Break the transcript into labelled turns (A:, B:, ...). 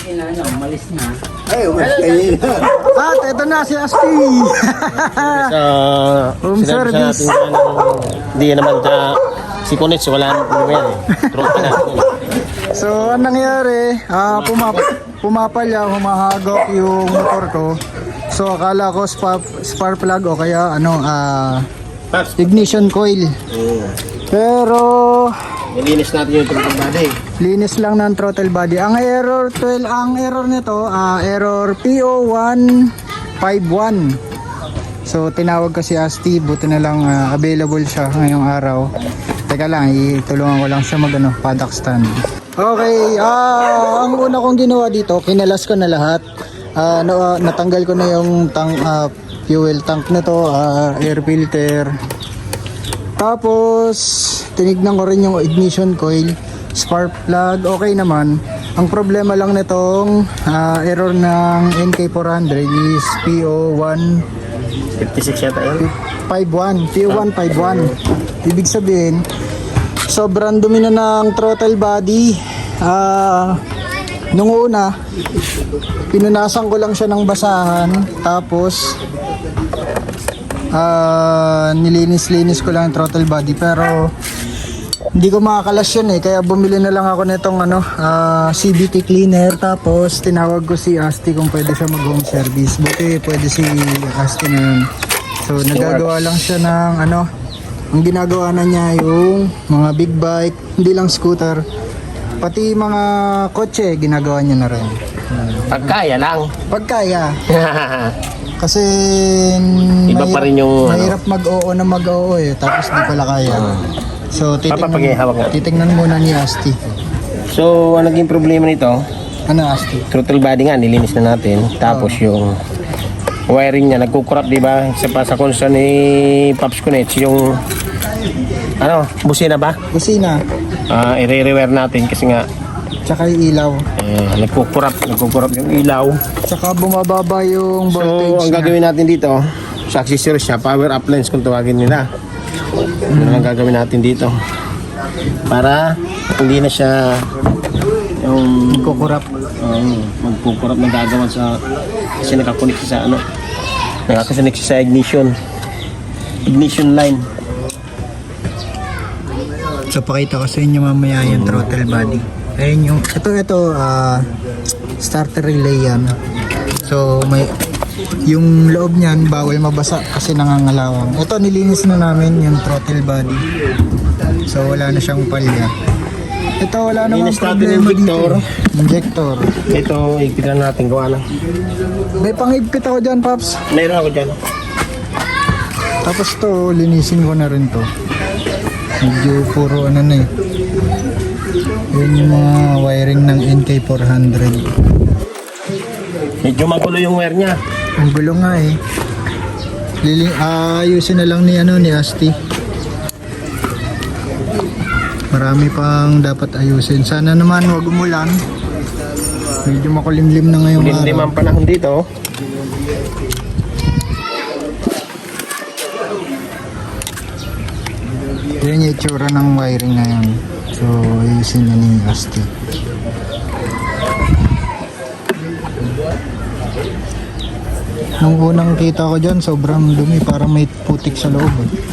A: Umalis na.
B: Ay, umalis kayo na.
C: At ito na si Asti. Home service.
D: Hindi naman si Kunits, wala nang problema yan. Trophy natin.
C: So, anong nangyari? Pumapalya, humahagok yung motor ko. So, akala ko spark plug o kaya ignition coil. Pero
D: Nilinis natin yung throttle body.
C: linis lang ng throttle body. Ang error nito, error PO151. So tinawag ko si Asti, buti na lang available siya ngayong araw. Teka lang, itulungan ko lang siya paddock stand. Okay, ang una kong ginawa dito, kinalas ko na lahat. Natanggal ko na yung fuel tank nito, air filter. Tapos tinignan ko rin yung ignition coil, spark plug, okay naman. Ang problema lang nitong error ng NK400 is PO1
D: 56 yata yun.
C: 51, PO151. Ibig sabihin, sobrang dumi na ng throttle body. Nung una, pinunasan ko lang siya ng basahan, tapos nilinis-linis ko lang yung throttle body, pero hindi ko makakalas yun kaya bumili na lang ako nitong CVT cleaner. Tapos tinawag ko si Asti kung pwede siya mag home service. Buti pwede si Asti na yun. So nagagawa lang siya ng ang ginagawa na niya yung mga big bike, hindi lang scooter, pati mga kotse ginagawa niya na rin.
D: Pagkaya lang.
C: Pagkaya. Kasi
D: Iba pa rin yung
C: mahirap mag-oo na mag-oo tapos di pala kaya. So
D: Papapagihawak nga.
C: titingnan muna ni Asti.
D: So, ang naging problema nito,
C: Ano Asti?
D: throttle body nga, nilinis na natin. Tapos yung wiring niya, nagkukurap, di ba? Isa pa sa concern ni Pops Kunits, yung busina ba?
C: Kusina,
D: I-re-rewire natin kasi nga
C: tsaka yung ilaw.
D: nagkukurap yung ilaw.
C: Tsaka bumababa yung
D: So,
C: voltage
D: ang gagawin natin dito, sa accessories siya, power up lens kung tawagin nila. Ano ang gagawin natin dito? Para hindi na siya yung
C: kukurap.
D: magkukurap na gagawan sa kasi nakakunik siya sa nakakasunik siya sa ignition line.
C: So pakita ko sa inyo mamaya yung throttle body. Ayun yung ito starter relay yan. So may yung loob niyan bawal mabasa kasi nangangalawang. Ito nilinis na namin yung throttle body. So wala na siyang palya. Ito wala namang
D: Linis natin
C: problema
D: yung injector.
C: dito. Injector.
D: Ito, ipitan natin kung ano.
C: May pangigpit ako dyan, Paps.
D: Meron ako dyan.
C: Tapos to, linisin ko na rin to. Medyo puro na Yun yung mga wiring ng NK400.
D: Medyo magulo yung wire niya.
C: Ang gulo nga ayusin na lang ni Asti. Marami pang dapat ayusin. Sana naman wag umulan. Medyo makulimlim na ngayong araw.
D: Limlim ang panahon dito.
C: Yan yung itsura ng wiring ngayon. So, ayusin na ni Asti. Nung unang kita ko dyan, sobrang dumi. Parang may putik sa loob.